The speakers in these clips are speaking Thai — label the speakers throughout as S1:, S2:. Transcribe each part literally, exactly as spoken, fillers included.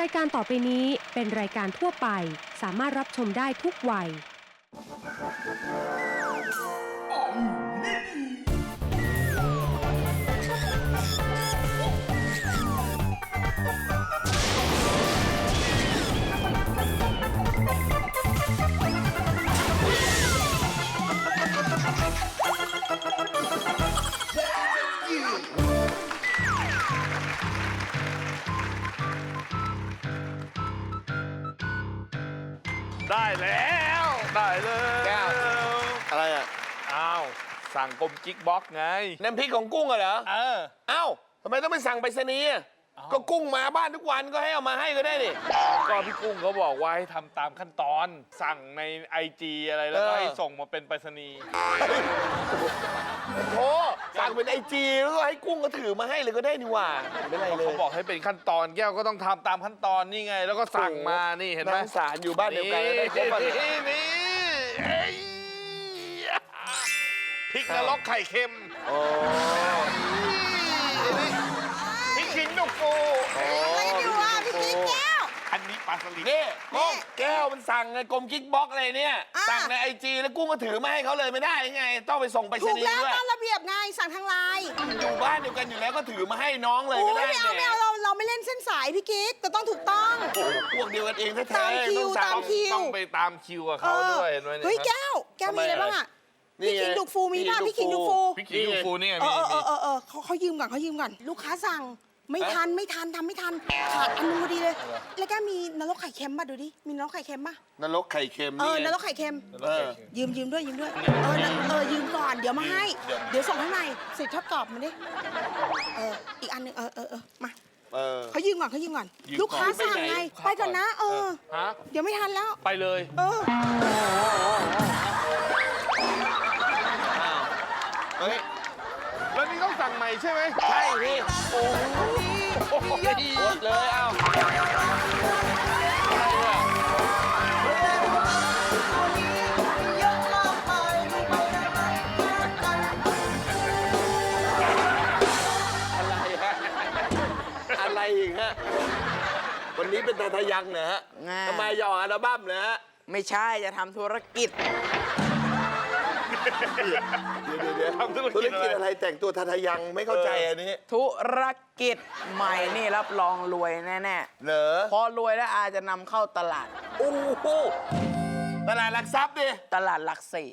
S1: รายการต่อไปนี้เป็นรายการทั่วไปสามารถรับชมได้ทุกวัย
S2: ได้แล้วได้เลยแก้ว
S3: อะไรอ่ะ
S2: อ้าวสั่งกลมกิ๊กบ็อกไง
S3: น้ำพริกของกุ้งเหรอ
S2: เออ
S3: อ้าวทำไมต้องไปสั่งไปรษณีย์ก็กุ้งมาบ้านทุกวันก็ให้เอามาให้ก็ได้ดิ
S2: ก็พี่กุ้งเขาบอกว่าให้ทำตามขั้นตอนสั่งในไอจีอะไรแล้วก็ให้ส่งมาเป็นไปรษณีย์
S3: โอ้สั่งเป็นไอจีแล้วก็ให้กุ้งก็ถือมาให้เลยก็ได้นี่หว่าไม่ไรเลย
S2: เขาบอกให้เป็นขั้นตอนแก้วก็ต้องทำตามขั้นตอนนี่ไงแล้วก็สั่งมานี่เห็นไหม
S3: สารอยู่บ้านเดียวกันได้ครบ
S2: นี่นี่พริกนรกไข่เค็ม
S3: โอ้
S2: พริกขิงนกฟู
S4: อะไรอยู่อ่ะพี่กิ๊กแก้ว
S2: อันนี้ปลาสลิด
S3: นี่กุ้งแก้วมันสั่งไงกลมกิ๊กบ็อกอะไรเนี่ยสั่งในไอจีแล้วกุ้งก็ถือมาให้เขาเลยไม่ได้ไงต้องไปส่งไปรษณีย์ด้วย
S4: ถูกแล้วตามระเบียบไงสั่งทางไลน์
S3: อยู่บ้านเดียวกันอยู่แล้วก็ถือมาให้น้องเลยก็ได้
S4: ไม่เอาไม่เอาเราเราไม่เล่นเส้นสายพี่กิ๊กแต่ต้องถูกต้อง
S3: พวกเดียวกันเองแท้ๆ
S4: ตามคิวตามคิว
S2: ต้องไปตามคิวกับเขาด้วยเห็นไหม
S4: เฮ้ยแก้วแก้วมีอะไรบ้างอ่ะพี่ขิงดุกฟูมีป่ะพี่ขิงดุกฟู
S2: พี่ขิงดุกฟูนี่ไง
S4: มีเออเออเออเออเขาเขายืมก่อนเขายืมก่อนลูกค้าสั่งไม่ทันไม่ทันทำไม่ทันขาดอันนึงพอดีเลยแล้วก็มีนรกไข่เค็มป่ะดูดิมีนรกไข่เค็มป่ะ
S3: นรกไข่เค็ม
S4: เออนรกไข่เค็มยืมยืมด้วยยืมด้วยเออเออยืมก่อนเดี๋ยวมาให้เดี๋ยวส่งให้ใหม่เสร็จทอดกรอบมาดิเอออีกอันนึงเออเออเออมาเขายืมก่อนเขายืมก่อนลูกค้าสั่งไงไปก่อนนะเออเดี๋ยวไม่ทันแล้ว
S2: ไปเลย
S4: เออ
S3: เฮ้ย
S2: แล้วนี่ต้องสั่งใหม่ใช่ไหม
S3: ใช่พี่โอ้ยหมดเลยเอ้าอะไรฮะอะไรอีกฮะวันนี้เป็นตาทะยังเหรอฮะทำไมยออัลบั้มเหรอฮะ
S4: ไม่ใช่จะทำธุรกิจ
S3: เดี๋ยวเดี๋ยวธุรกิจอะไรแต่งตัวทาทะยังไม่เข้าใจอันนี้
S4: ธุรกิจใหม่นี่รับรองรวยแน่ๆ
S3: เหรอ
S4: พอรวยแล้วอาจะนำเข้าตลาด
S3: โอ้โหตลาดหลักทรัพย์ดิ
S4: ตลาดหลักสี่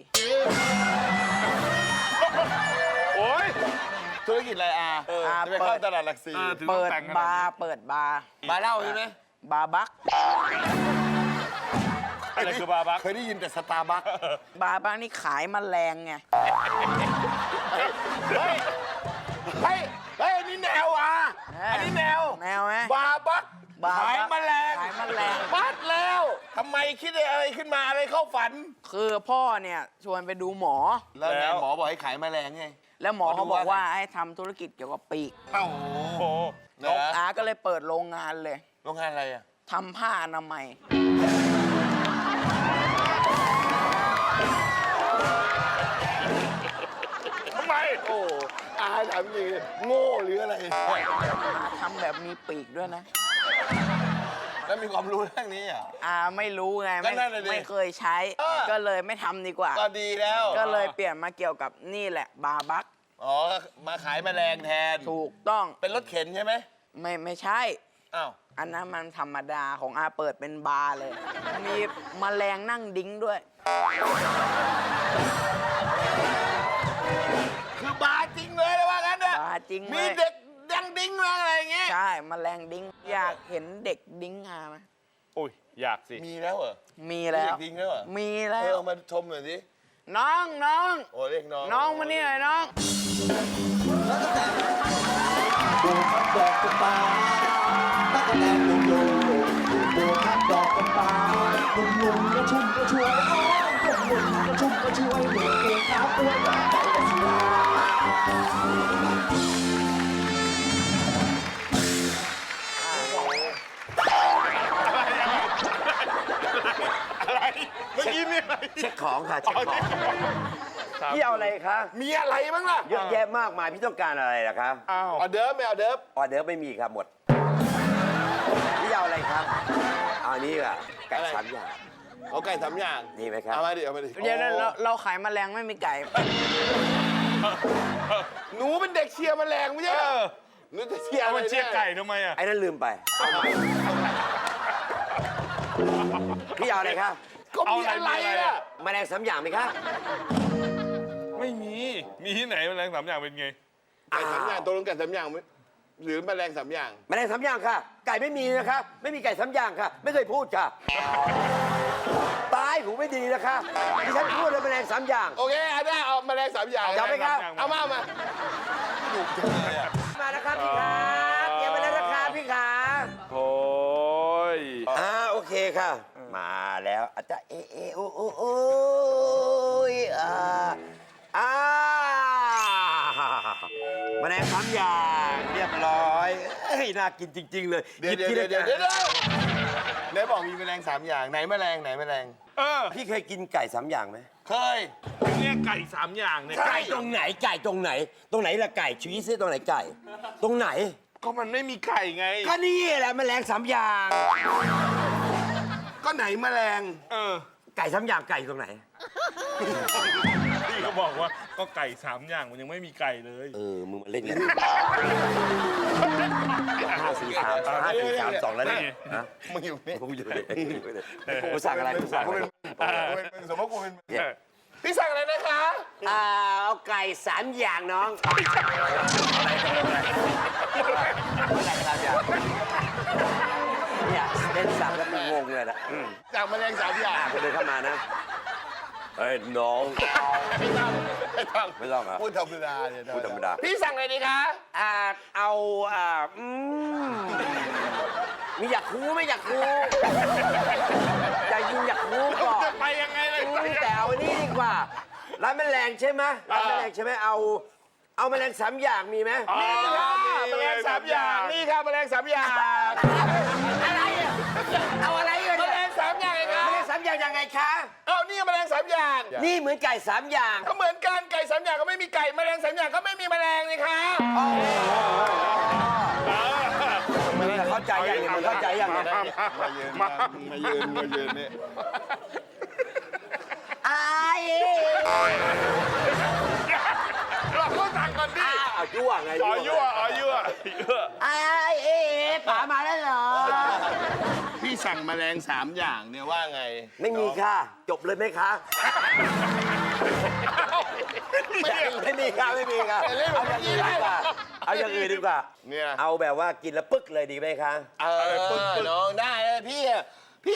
S2: โอ้ย
S3: ธุรกิจอะไรอาจะไปเข้าตลาดหลักสี่
S4: เปิดบาร์เปิดบาร์
S3: บาร์เหล้าใช่ไหม
S4: บาร์บัก
S2: อะไรคือบาร์บัก
S3: เคยได้ยินแต่สตาร์บัค
S4: บาร์บักนี่ขายแมลงไง
S3: เฮ้ยเฮ้ยเฮ้ยนี่แนวอ่ะอันนี้แนว
S4: แนวไหม
S3: บาร์บักขายแมลง
S4: ขายแมลง
S3: บัดแล้วทำไมคิดอะไรขึ้นมาอะไรเข้าฝัน
S4: คือพ่อเนี่ยชวนไปดูหมอ
S3: แล้วหมอบอกให้ขายแมลงไง
S4: แล้วหมอเขาบอกว่าให้ทำธุรกิจเกี่ยวกับปีก
S3: โอ้โห
S4: อาก็เลยเปิดโรงงานเลย
S3: โรงงานอะไรอ่ะ
S4: ทำผ้าอนามัย
S2: ทำไม
S3: โอ้อาถามจริงโง่หรืออะไร
S4: ทำแบบมีปีกด้วยนะ
S3: แล้วมีความรู้เรื่องนี้อ่ะ
S4: อาไม่รู้ไงไม่ไม่เคยใช้ก็เลยไม่ทำดีกว่า
S3: ก็ดีแล้ว
S4: ก็เลยเปลี่ยนมาเกี่ยวกับนี่แหละบาร์บัก
S3: อ๋อมาขายแมลงแทน
S4: ถูกต้อง
S3: เป็นรถเข็นใช่ไหม
S4: ไม่ไม่ใช่
S3: อ้าว
S4: อันนั้นมันธรรมดาของอาเปิดเป็นบาร์เลยมีแมลงนั่งดิ้งด้วย
S3: คือบาร์จริงเลยนะว่างั้นเนี่ย
S4: บาร์จริง
S3: มีเด็กดังดิ้งอะไรอย่างเงี้ย
S4: ใช่แมลงดิ้งอยากเห็นเด็กดิ้งอาไหม
S2: โอ้ยอยากสิ
S3: มีแล้วเหรอ
S4: มีแล้ว
S3: ดิ้งแล้วเหรอ
S4: มีแล้ว
S3: เออมาชมหน่อยสิ
S4: น้องน้อง
S3: โอ้เรียกน้อง
S4: น้องมานี่หน่อยน้อง
S5: ดูครับดอกกระปาตั๊กแตนลุงโยดูครับดอกกระปาลุงลุงก็ชุ่มก็ช่วยอ้อมลุงลุงก็ชุ่มก็ช่วยเหมือนเองครับอ้วนใจก็สวย
S2: อะไรเมื่อกี้มีอะไร
S5: เช็คของค่ะเช็คของพี่เอาอะไรคะ
S3: มีอะไรบ้างล่ะ
S5: เยอะแยะมากมายพี่ต้องการอะไรล่ะครับ
S3: ออเดิร์ฟไม่เอาเดิร์ฟ
S5: ออเดิร์ฟไม่มีครับหมด
S6: พี่เอาอะไรครับเอาอันนี้อ่ะไก่สามอย่าง
S3: เอาไก่สามอย่าง
S6: ดีไหมครับ
S3: เอามาดิเอามาดิ
S7: เดี๋ยวนะเราเราขายแมลงไม่มีไก่
S3: หนูเป็นเด็กเชียร์แมลงไม่ใช่
S2: เอ
S3: เหรอ
S2: อ
S3: หนูจะเชียร์
S2: เอา
S3: อะไร
S2: มันเชียร์ไก่ทำไมอ่ะ
S6: ไอ้นั่นลืมไปพี่เอาอะไรครับ
S3: ก็มีอะไรอ่ะ
S6: แมลงสามอย่างไหมครับ
S2: ไม่มี มีที่ไหนแมลงสามอย่างเป็นไง
S3: ไก่สามอย่างตัวลงไก่สามอย่างไหมหรือแมลงสามอย่าง
S6: แมลงสามอย่างค่ะ ไก่ไม่มีนะครับไม่มีไก่สามอย่างค่ะ ไม่เคยพูดค่ะตายหูไม่ดีนะคะที่ฉันพูดเลยแมลงสามอย่าง
S3: โอเคเอาได้เอาแมลงสามอย่าง
S6: เอาไหมครับ
S3: เอามาเอามา
S6: มาแล้วครับพี่ครับเตรียมมาแล้วนะครับพี่ครับ
S2: โอ้ย
S6: อ่าโอเคค่ะ มาแล้วอาจจะเอเอโอโอโอ้ยอ่าอ่าแมลงสามอย่างเรียบร้อยเฮ้ยน่ากินจริง ๆ เลย
S3: เดี๋ยว
S6: ห
S3: เดี๋ยว
S6: บที
S3: เดี๋ยว
S6: ละ
S3: เดี๋ยว
S6: อย่าง
S3: เดี๋ยวไหนบอกมีแมลงสามอย่างไหนแมลงไหนแมลง
S2: เออ
S6: พี่เคยกินไก่สามอย่างไหม
S3: เคย
S2: ถึงเรียกไก่สามอย่างเนี่ย
S6: ไก่ตรงไหนไก่ตรงไหน ตรงไหนละไก่ชี้ซิตรงไหนไก่ ตรงไหน
S2: ก็มันไม่มีไก่ไง
S6: ก็นี่แหละแมลงสามอย่าง
S3: ก็ไหนแมลง
S2: เออ
S6: ไก่สามอย่างไก่ตรงไหน
S2: พี่ก็บอกว่าก็ไก่สามอย่างมันยังไม่มีไก่เลย
S6: เออมึงมาเล่นกันห้าสี่สามห้าสี่สามสองแล้วเนี่ยฮะ
S3: มึงอยู่นี่
S6: ผมอยู่เลยผมสั่งอะไรผมสั่งอะไร
S3: เป็นสมมติกูเป็นพี่สั่งอะไรนะคะ
S6: อ่าเอาไก่สามอย่างน้องอะไรสามอย่างเนี่ยเล่นสั่งแล้วมึงงงเลยนะ
S3: สั่งแมลงสามอย่าง
S6: คนเดินเข้ามานะเฮ้ยน้อง
S3: ไม่ต้องไม่ต้อง
S6: ไม่ต้องเหรอ
S3: พูดธรรมดาเนี่ย
S6: พูดธรรมดา
S3: พี่สั่งอะไรดีคะ
S6: อ่าเอาอ่าอืมมีอยากคูไม่อยากคูอยากยิงอยากคูก่อน
S2: จะไปยังไงเลย
S6: อืมแต่เอาอันนี้ดีกว่าร้านแมลงใช่ไหมร้านแมลงใช่ไหมเอา เอาแมลงสามอย่างมีไหม
S3: นี่ค่ะแมลงสามอย่างนี่ค่ะแมลงสามอย่าง
S6: อะไรอ่ะเอาอะไรกัน
S3: แมล
S6: เนี่ย
S3: งสามอย่างไง
S6: แม
S3: คะ
S6: ลงสามอย่างยังไงคะ
S3: เอานี่แมลงสามอย่าง
S6: นี่เหมือนไก่สามอย่าง
S3: ก็เหมือนกันไก่สามอย่างก็ไม่มีไก่แมลงสามอย่างก็ไม่มีแมลงนี่คะ
S6: มันเข้าใจยังเนี่ยมันเข้าใจยังเนี่ย
S3: มายืนมามายืนมายืนนี่
S6: ไอ้
S2: เราก็สั่งก่อนดิ
S6: อ้าวยั่วไง
S2: อ๋อยั่วอ๋อยั่วยั่ว
S6: ไอ้เอ๋ป๋ามาแล้วเหรอ
S3: พี่สั่งแมลงสามอย่างเนี่ยว่าไง
S6: ไม่มีค่ะ จบเลยไหมคะ ไม่ไม่มีค่ะไม่มีค่ะเอาอย่างอื่นดีกว่าเอาอย่างอื่นดีกว่า
S3: เนี่ย
S6: เอาแบบว่ากินแล้วปึ๊กเลยดีไหมคะ
S3: เออปึ๊กน้องได้เลยพี่อะพี่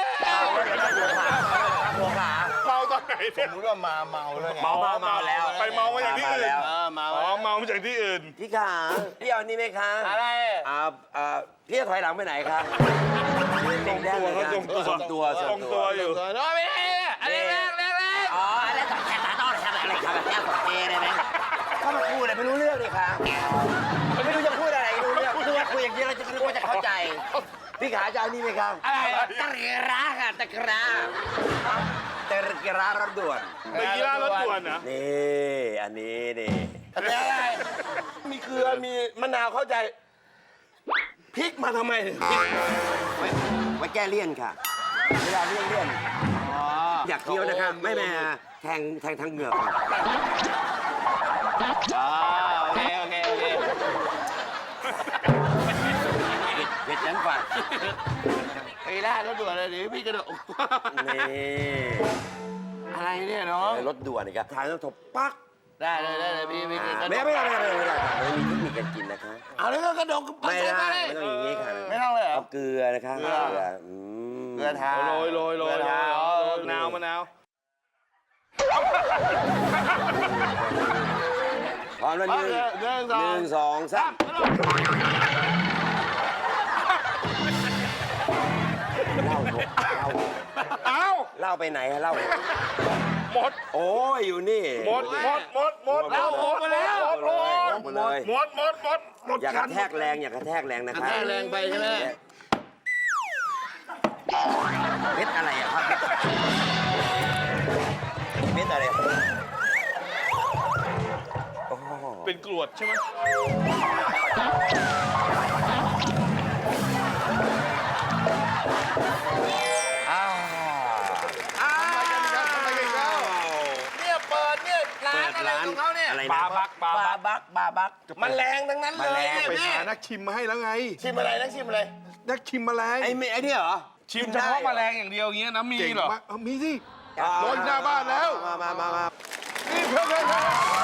S6: หัวขา
S2: เมาตอนไหน
S3: ส
S2: เนี่ย
S3: มมติว่ามาเมาแล้วไง
S6: เมาเมาเมาแล้ว
S2: ไปเมามาจากที่อื่น
S3: เออมา
S2: อ๋อเมามาจากที่อื่น
S6: พี่ขาพี่เอานี่ไหมคะ
S3: อะไร
S6: อ่าอ่าพี่จะถอยหลังไปไหนคะเด็กแดงเลย
S2: เขา
S6: นะ
S2: ทรงตัว
S6: ทรงตัว
S2: ทรงตัวอยู่
S3: ตัวน้องไม่ได้เนี่ยอะไรแรกแรกแรก
S6: อ๋ออะไรต่อแค่ตาต้อนครับอะไรครับแบบแก้วของเจได้ไหมเข้ามาพูดอะไรไม่รู้เรื่องเลยค่ะไม่รู้จะพูดอะไรไม่รู้เรื่องพูดคุยอย่างนี้เราจะรู้ว่าจะเข้าใจ พี่ขาจะเอานี่ไหมครับ
S3: อะไร
S6: ตะกร้าค่ะตะกร้าตะกร้ารถด่วน
S2: ไปกีฬารถด่วนนะ
S6: นี่อันนี้นี่
S3: อะไรอะไรมีเกลือมีมะนาวเข้าใจพริกมาทำไมพริก
S6: ไว้ไว้แก้เลี่ยนค่ะเวลาเลี่ยนเลี่ยนอยากเคี้ยวนะครับไม่แม่แทงแทงทางเหงือก
S3: อ๋อโอเคโอเคโอเค
S6: เผ็ดยันฝัน
S3: ไปได้รถด่วนเลยดิพี่กระโดด
S6: นี่
S3: อะไรเนี่ยน้อง
S6: รถด่วนนี่ครับทางต้องถบปัก
S3: ได้เลยได้เลยพี่พี่
S6: อ่าไม่ไม่ไม่ไม่ไม่ไม่ไม่มีเทคนิคการกินนะคะ
S3: เอาแล้วก็กระโดด
S6: ไม่ได้ไม่ต้องอย่างนี้ค่ะ
S3: ไม่ต้องเลยเหรอ
S6: เอาเกลือนะคะ
S3: เกลือ
S6: อืม
S3: เกลือทา
S2: โรยโรยโรย
S3: เกลือทาอ๋อ
S2: มะนาวมะนาว
S6: พร้อมแล้วหนึ่ง
S3: หนึ่งส
S6: ห
S3: อง
S6: นึ่งสองสามเล่าเถอะเล่า
S2: เอ้า
S6: เล่าไปไหนฮะเล่า
S2: หมด
S6: โอ้ยอยู่นี่
S2: หมดหมดหมดหมด
S6: เล่าหมด
S2: มาแล้ว
S6: หมดเลยหมดเลย
S2: หมดหมดหมดหมด
S6: อย่ากระแทกแรงอย่ากระแทกแรงนะคะ
S3: แรงแรงไปใช่ไหม
S6: เม็ดอะไรอะครับเม็ดอะไรโอ้โห
S2: เป็นกรวดใช่ไหม
S3: งนั้นเลยเนี่ย
S2: ไป
S3: พี่
S2: หานักชิมมาให้แล้วไง
S3: ชิมอะไรนักชิมอะไร
S2: นักชิมแมลง
S6: ไอ้เมไอ้นี่เหรอ
S2: ชิมเฉพาะแมลงอย่างเดียวอย่างเงี้ยนะมี
S3: เก่ง
S2: เหรอ
S3: มากเอามีสิ
S2: รถหน้าบ้านแล้ว
S3: มามามามา
S2: นี่เพื่อนเพื่อนเพื่อน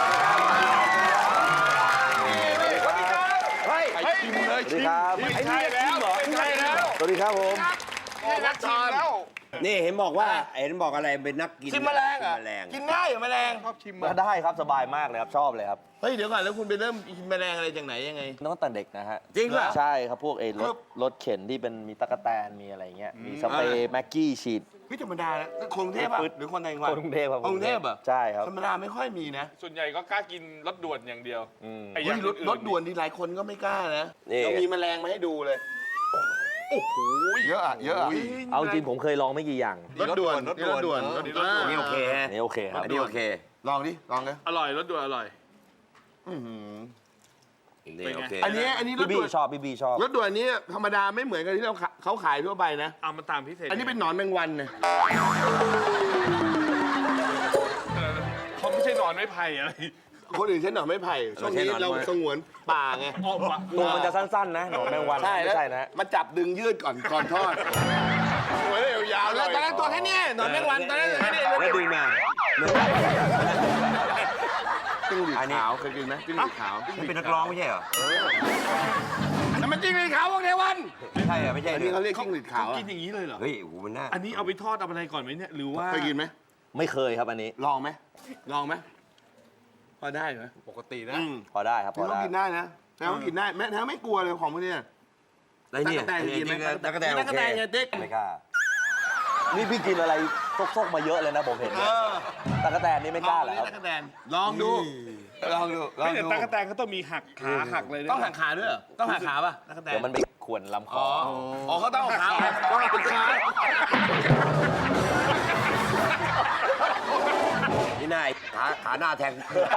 S3: เฮ้ย
S2: ไปชิมเลยชิมไม่ใช่แล้วไม่ใช่แล้ว
S3: สวัสดีครับผม
S2: นี่นักชิมแล้ว
S6: นี่เห็นบอกว่าเห็นบอกอะไรเป็นนักกิน
S3: ชิมแมลงเหรอ
S6: กินแมลง
S3: กินง่ายเหรอแมลง
S2: ชอบชิม
S8: ก็
S2: อ่ะ
S8: ได้ครับสบายมากเลยครับชอบเลยครับ
S3: เฮ้ยเดี๋ยวก่อนแล้วคุณไปเริ่มกินแมลงอะไรจากไหนยังไง
S8: ตั้งแต่เด็กนะฮะ
S3: จริงป่ะ
S8: ใช่ครับพวกเอร
S3: ครั
S8: ถ
S3: บ
S8: รถเข็นที่เป็นมีตะกแตนมีอะไรเงี้ยมีสเปรย์แม็กกี้ฉีด
S3: พี่ธรรมดาแล้วคนกรุงเทพป่ะหรือคนต่างจังหวัด
S8: คนกรุงเทพครับ
S3: คนกรุงเทพเหรอ
S8: ใช่ครับ
S3: ธรรมดาไม่ค่อยมีนะ
S2: ส่วนใหญ่ก็กล้ากินรถด่วนอย่างเดียว
S8: อืม
S2: ไอ้อ
S3: เฮ้
S2: ย่าย ง
S3: รถ
S2: อื่ๆ
S3: รถด่วนที่หลายคนก็ไม่กล้านะ
S6: นี่
S3: เรามีแมลงมาให้ดูเลยโอ้โหเยอะอะเยอะอะ
S8: เอาจริงผมเคยลองไม่กี่อย่าง
S3: รถด่วนรถด่วน
S2: รถด่วน
S3: อ่า
S6: นี่โอเคฮะ
S8: นี่โอเคครับ
S6: อันนี้โอเค
S3: ลองดิลองเลย
S2: อร่อยรถด่วนอร่อย
S6: นี่โอเค
S3: อันนี้อันนี้ร
S8: พี่
S3: ถ
S8: บี้
S3: ด่วน
S8: ชอบพี่บี้ชอบ
S3: รถด่วนนี้ธรรมดาไม่เหมือนกับที่เราขาเขาขายทั่วไปนะ
S2: เอามาตามพิเศษ
S3: อันนี้เป็นหนอนแมงวันนะ
S2: เขาไม่ใช่นอนไม่ไผ่อะไร
S3: คนอื่นใช้หนอนไม้ไผ่ช่วงนี้เราสงวนป่าไง
S2: ออกมา
S8: ตัวมันจะสั้นๆนะหนอนแมงวัน
S3: ใช่
S8: ไม่ใช่นะ
S3: มาจับดึงยืดก่อนก่อนทอด
S2: หัวเรียวยาว
S3: แล้วตอนแรกตัวแค่เนี้ยหนอนแมงวันตอนแรกแค่เนี้ย
S6: แล้วดึงมา
S3: จิ้งหรีดขาวเคยกินไหมจิ้งหรีดขาว
S6: นี่เป็นนักร้องไม่ใช่เหรอ
S3: นั่นมันจิ้งหรีดขาวพวกเทวัน
S6: ไม่ใช่เหรอไม่ใช่
S3: อัน
S6: เหร
S3: นี้
S6: อ
S3: เขาเรียกจิ้งหรีดขาว
S2: กินอย่างนี้เลยเหรอ
S6: เฮ้ยโอ้โหมันน่า
S2: อันนี้เอาไปทอดเอาอะไรก่อนไหมเนี่ยหรือว่า
S3: เคยกินไหม
S8: ไม่เคยครับอันนี้
S3: ลองไหมลองไหมพอได้เหรอ
S2: ปกตินะ
S3: อืม
S8: พอได้ครับพ
S3: แล้
S8: อ
S3: ว
S8: ได้
S3: กินได้นะแล้วกินได้แม้แท้ไม่กลัวเลยของพวกเนี้ย
S6: แล้วเนี่ย
S3: ตั๊กแตนกินไหม
S6: ตั๊กแตน
S3: ตั๊
S6: โอก
S3: แต
S6: เคน
S3: ไงติ๊ก
S8: ไม่กล้านี่พี่กินอะไรซกๆมาเยอะเลยนะผมเห็น
S3: เอ
S8: เนี่ย
S3: อ
S8: ตะกแตนนี่ไม่กล้าเหรอ
S3: ล
S8: ค
S3: อง
S8: รับ
S3: ดิตั๊กแตนลองดูลองดูลอง
S2: ไม่แต่
S3: ดู
S2: ตากแตนเขาต้องมีหักขาหักเลยนะ
S3: ต้องหักขาด้วยเหรอต้องหักขาป่ะตั๊กแตน
S8: เดี๋ยวมันไปข่วนลำค
S3: อ๋
S8: อ
S3: ออ๋อเขาต้องเอาขาออกต้องเอาขา
S6: นี่นายขาขาหน้าแทง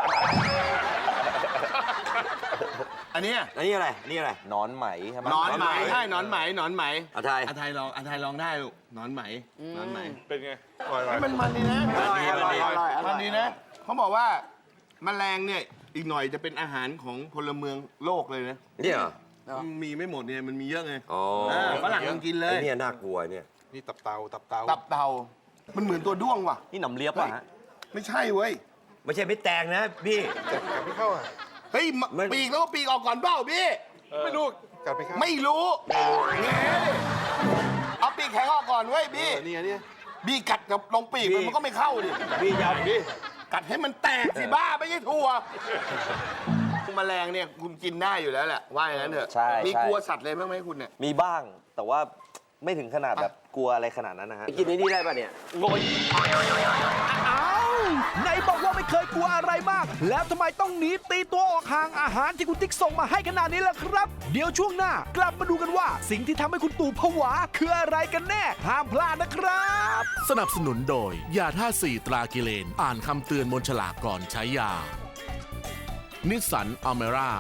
S3: อันเนี้ย
S6: อันนี้อะไรอันนี้อะไร
S8: หนอนไหมใช่ไหม
S3: หนอนไหมใช่หนอนไหมหนอนไหม
S6: อาไทย
S3: อาไทยลองอาไทยลองได้ลูกหนอนไหมหนอนไหม
S2: เป็นไง
S3: เฮ้ยมันมันดีนะ
S6: อร่อยอร่อยอร่อย
S3: มันดีนะเขาบอกว่าแมลงเนี่ยอีกหน่อยจะเป็นอาหารของพลเมืองโลกเลยนะ
S6: นี่เหรอ
S3: มีไม่หมดเนี่ยมันมีเยอะไง
S6: อ๋อ
S3: เออฝรั่งยังกินเล
S6: ไอ้
S3: ย
S6: เนี่ยน่ากลัวเนี่ย
S2: นี่ตับเตาตับเตา
S3: ตับเต่ามันเหมือนตัวด้วงว่ะ
S8: นี่หนำเลียบป่ะฮะ
S3: ไม่ใช่เว้ย
S6: ไม่ใช่ไม่แตงนะพี่
S2: กัดไม่เข้าอ่ะ
S3: เฮ้ยม
S6: มัน
S3: ปีกแล้วก็ปีกออกก่อนเปล่าพี่
S2: ไม่รู้กัดไม่เข้า
S3: ไม่รู้แง่เอาปีกแข็งออกก่อนเว้ยพี่
S2: นี่นี่
S3: บี้กัดกับลงปีกมันมันก็ไม่เข้าดิ
S6: พี่ยาวพี่
S3: กัดให้มันแตกสิบ้าไม่ใช่ถั่วแมลงเนี่ยคุณกินได้อยู่แล้วแหละว่าอย่างนั้นเถอะ
S8: ใช่
S3: มี
S8: ใช่
S3: กลัวสัตว์เลยบ้างไหมคุณเนี่ย
S8: มีบ้างแต่ว่าไม่ถึงขนาดแบบกลัวอะไรขนาดนั้นนะฮะ
S6: กินไอ้นี่ได้ป่ะเนี่ย
S9: อ้าวไหนบอกว่าไม่เคยกลัวอะไรมาก แล้วทำไมต้องหนีตีตัวออกห่างอาหารที่คุณติ๊กส่งมาให้ขนาดนี้ล่ะครับ เดี๋ยวช่วงหน้ากลับมาดูกันว่า สิ่งที่ทำให้คุณตู่ผวาคืออะไรกันแน่ ห้ามพลาดนะครับ
S10: สนับสนุนโดย ยาท่าสี่ตรากิเลน อ่านคำเตือนบนฉลากก่อนใช้ยา นิสสันอเมร่า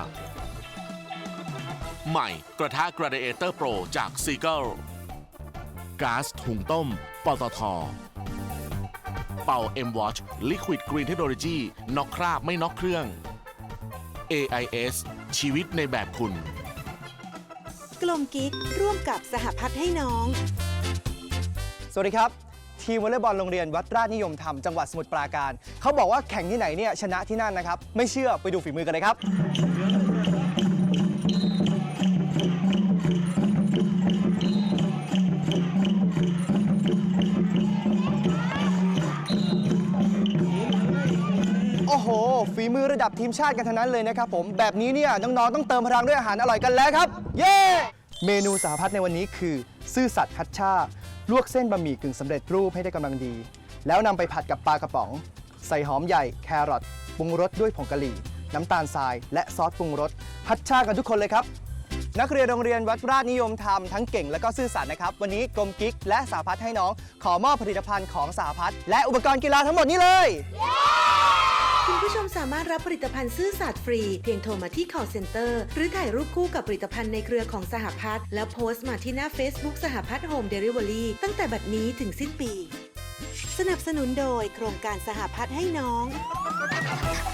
S10: ใหม่กระทะ Gladiator Pro จากซีเกิลก๊าซหุงต้ม ปตท. เป่า M-Watch Liquid Green Technology น็อกคราบไม่น็อกเครื่อง เอ ไอ เอส ชีวิตในแบบคุณ
S11: กลมกิ๊กร่วมกับสหพัฒน์ให้น้อง
S12: สวัสดีครับ ทีมวอลเลย์บอลโรงเรียนวัดราชนิยมธรรมจังหวัดสมุทรปราการ เขาบอกว่าแข่งที่ไหนเนี่ยชนะที่นั่นนะครับ ไม่เชื่อไปดูฝีมือกันเลยครับ โอ้โห ฝีมือระดับทีมชาติกันทั้งนั้นเลยนะครับผม แบบนี้เนี่ยน้องๆต้องเติมพลังด้วยอาหารอร่อยกันแล้วครับ เย้ เมนูสหพัฒน์ในวันนี้คือ ซื่อสัตย์คัดชาลวกเส้นบะหมี่กึ่งสำเร็จรูปให้ได้กำลังดี แล้วนำไปผัดกับปลากระป๋อง ใส่หอมใหญ่แครอทปรุงรสด้วยผงกะหรี่ น้ำตาลทราย และซอสปรุงรสพัดชากันทุกคนเลยครับ นักเรียนโรงเรียนวัดราชนิยมธรรมทั้งเก่งและก็ซื่อสัตย์นะครับวันนี้กรมกิ๊กและสหพัฒน์ให้น้องขอมอบผลิตภัณฑ์ของสหพัฒน์และอุปกรณ์กีฬาทั้งหมดนี้เลย
S11: คุณผู้ชมสามารถรับผลิตภัณฑ์ซื่อสัตย์ฟรี เพียงโทรมาที่ call center หรือถ่ายรูปคู่กับผลิตภัณฑ์ในเครือของสหพัฒน์แล้วโพสต์มาที่หน้า Facebook สหพัฒน์โฮมเดลิเวอรี่ตั้งแต่บัดนี้ถึงสิ้นปี สนับสนุนโดยโครงการสหพัฒน์ให้น้อง